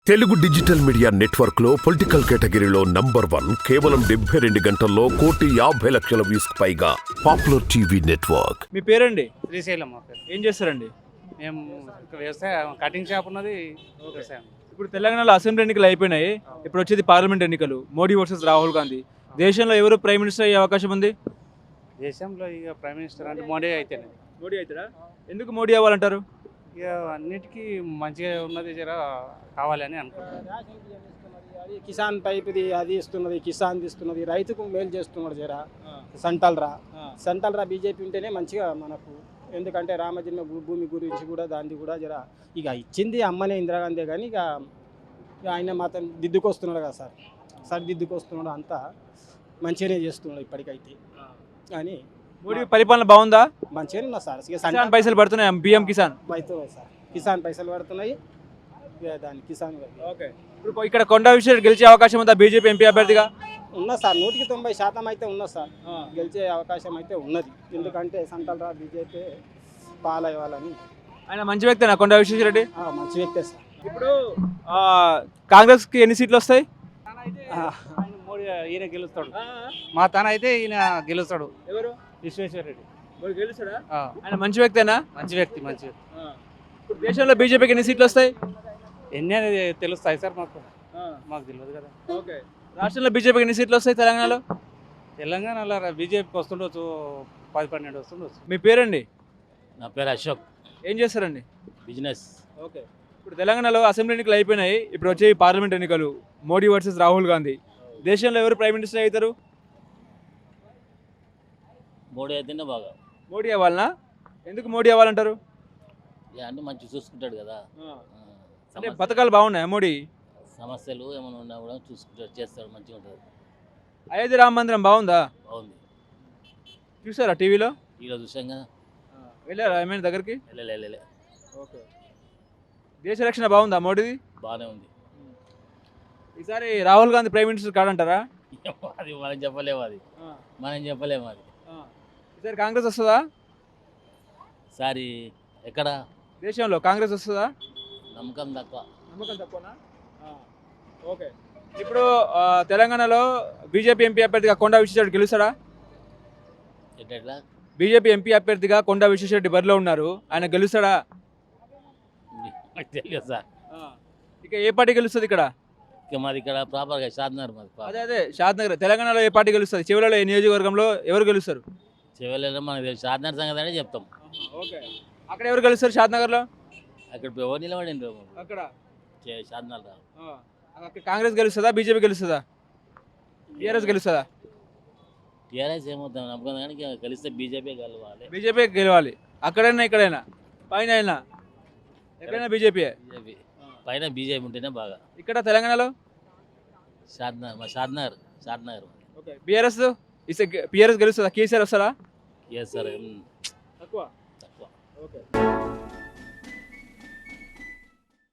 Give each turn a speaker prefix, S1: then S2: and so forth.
S1: Telugu digital media network లో political కేటగిరీలో number 1 కేవలం 72 గంటల్లో 1,50,00,000 వ్యూస్ పైగా పాపులర్ టీవీ నెట్వర్క్.
S2: మీ పేరండి?
S3: శ్రీశైలం మా పేరు.
S2: ఏం చేస్తారండి?
S3: మేము ఇక్కడ వ్యవసాయం కటింగ్ షాప్ ఉన్నది. వ్యవసాయం.
S2: ఇప్పుడు తెలంగాణలో అసెంబ్లీ ఎన్నికలు అయిపోయినాయి. ఇప్పుడు వచ్చేది పార్లమెంట్ ఎన్నికలు. మోడీ వర్సెస్ రాహుల్ గాంధీ. దేశంలో ఎవరు ప్రైమ్ మినిస్టర్ అయ్యే అవకాశం ఉంది?
S3: దేశంలో ఇక ప్రైమ్ మినిస్టర్ అంటే మోడీ అయితేనే.
S2: మోడీ అవుతారా? ఎందుకు మోడీ అవ్వాలంటారు?
S3: ఇక అన్నిటికీ మంచిగా ఉన్నది జర కావాలని అనుకుంటున్నాను.
S4: కిసాన్ టైప్ది అది ఇస్తున్నది, కిసాన్ ఇస్తున్నది, రైతుకు మేలు చేస్తున్నాడు జర. సెంట్రల్ రా బీజేపీ ఉంటేనే మంచిగా మనకు. ఎందుకంటే రామజన్మ భూమి గురించి కూడా దాన్ని కూడా జర ఇక ఇచ్చింది అమ్మనే ఇందిరాగాంధీ, కానీ ఇక ఆయన మాత్రం దిద్దుకొస్తున్నాడు కదా సార్ దిద్దుకొస్తున్నాడు, అంతా మంచిగానే చేస్తున్నాడు ఇప్పటికైతే. కానీ
S2: మోడీ పరిపాలన బాగుందా?
S4: మంచిగానే ఉన్నా సార్.
S2: కిసాన్ పైసలు పడుతున్నాయి, బియ్యం కిసాన్
S4: అవుతున్నాయి సార్. కిసాన్ పైసలు పడుతున్నాయి, దాని కిసాన్.
S2: ఓకే. ఇప్పుడు ఇక్కడ కొండా విశ్వేశ్వరరెడ్డి గెలిచే అవకాశం ఉందా బీజేపీ ఎంపీ అభ్యర్థిగా?
S4: ఉన్నా సార్, 100% అయితే ఉన్నా సార్. గెలిచే అవకాశం అయితే ఉన్నది. ఎందుకంటే సెంట్రల్ రా బీజేపీ పాలయ్యాలని.
S2: ఆయన మంచి వ్యక్తేనా కొండా విశ్వేశ్వరరెడ్డి?
S4: మంచి వ్యక్తే సార్.
S2: ఇప్పుడు కాంగ్రెస్కి ఎన్ని సీట్లు వస్తాయి?
S3: మోడీ ఈయన గెలుస్తాడు. మా తన అయితే ఈయన గెలుస్తాడు.
S2: ఎవరు?
S3: విశ్వేశ్వరరెడ్డి.
S2: మోడీ గెలుస్తాడా? ఆయన మంచి వ్యక్తేనా?
S3: మంచి వ్యక్తి.
S2: ఇప్పుడు దేశంలో బీజేపీకి ఎన్ని సీట్లు వస్తాయి?
S3: ఎన్ని అనేది తెలుస్తాయి సార్ మాకు తెలియదు కదా.
S2: ఓకే. రాష్ట్రంలో బీజేపీకి ఎన్ని సీట్లు వస్తాయి?
S3: తెలంగాణలో బీజేపీకి వస్తుండొచ్చు, 10-12 వస్తుండొచ్చు.
S2: మీ పేరండి?
S5: నా పేరు అశోక్.
S2: ఏం చేస్తారండి?
S5: బిజినెస్.
S2: ఓకే. ఇప్పుడు తెలంగాణలో అసెంబ్లీ ఎన్నికలు అయిపోయినాయి. ఇప్పుడు వచ్చే పార్లమెంట్ ఎన్నికలు. మోడీ వర్సెస్ రాహుల్ గాంధీ. దేశంలో ఎవరు ప్రైమ్ మినిస్టర్ అవుతారు?
S5: మోడీ అయితేనే బాగా.
S2: మోడీ అవ్వాలనా? ఎందుకు మోడీ అవ్వాలంటారు?
S5: అన్నీ మంచి చూసుకుంటాడు కదా.
S2: అంటే పథకాలు బాగున్నాయా మోడీ?
S5: సమస్యలు ఏమైనా ఉన్నా కూడా చూసుకుంటాడు, చేస్తాడు, మంచిగా ఉంటుంది.
S2: అయోధ్య రామ మందిరం బాగుందా?
S5: బాగుంది.
S2: చూసారా టీవీలో?
S5: ఈరోజు చూసాంగా.
S2: వెళ్ళారా ఏమైనా దగ్గరికి?
S5: వెళ్ళలే.
S2: ఓకే. దేశ రక్షణ బాగుందా మోడీది?
S5: బాగానే ఉంది.
S2: ఈసారి రాహుల్ గాంధీ ప్రైమ్ మినిస్టర్ కాడంటారా?
S5: అది మనం చెప్పలేము అది.
S2: ఈసారి కాంగ్రెస్ వస్తుందా?
S5: సారి ఎక్కడ
S2: దేశంలో కాంగ్రెస్ వస్తుందా?
S5: నమ్మకం
S2: తక్కువనా? ఓకే. ఇప్పుడు తెలంగాణలో బీజేపీ ఎంపీ అభ్యర్థిగా కొండా విశ్వేశ్వరరెడ్డి గెలుస్తాడా?
S5: ఎట్లా?
S2: బీజేపీ ఎంపీ అభ్యర్థిగా కొండా విశ్వేశ్వరరెడ్డి బరిలో ఉన్నారు, ఆయన గెలుస్తాడా?
S5: తెలియదు సార్.
S2: ఇక ఏ పార్టీ గెలుస్తుంది ఇక్కడ?
S5: ఇక మాది ఇక్కడ ప్రాపర్గా షాద్నగర్.
S2: అదే షాద్నగర్. తెలంగాణలో ఏ పార్టీ గెలుస్తుంది? చివరిలో ఏ నియోజకవర్గంలో ఎవరు గెలుస్తారు?
S5: చివరిలో మనకు తెలుసు, షాద్నగర్ సంగతి అంటే చెప్తాం.
S2: ఓకే. అక్కడ ఎవరు గెలుస్తారు షాద్నగర్లో?
S5: అక్కడ ఎవరు నిలబడింది
S2: అక్కడ
S5: షాద్నగర్.
S2: కాంగ్రెస్ గెలుస్తుందా, బీజేపీ గెలుస్తుందా, టీఆర్ఎస్ గెలుస్తుందా?
S5: టీఆర్ఎస్ ఏమవుతాం నమ్మకం, కానీ గెలిస్తే బీజేపీ
S2: గెలవాలి. అక్కడైనా ఇక్కడైనా పైన అయినా ఎక్కడైనా బీజేపీ
S5: పైన బీజేపీ ఉంటేనే బాగా.
S2: ఇక్కడ తెలంగాణలో
S5: షాద్నగర్.
S2: ఓకే. బీఆర్ఎస్ గెలుస్తుందా? కేసీఆర్ వస్తారా?
S5: Yes sir.
S2: తక్కువ.
S5: ఓకే.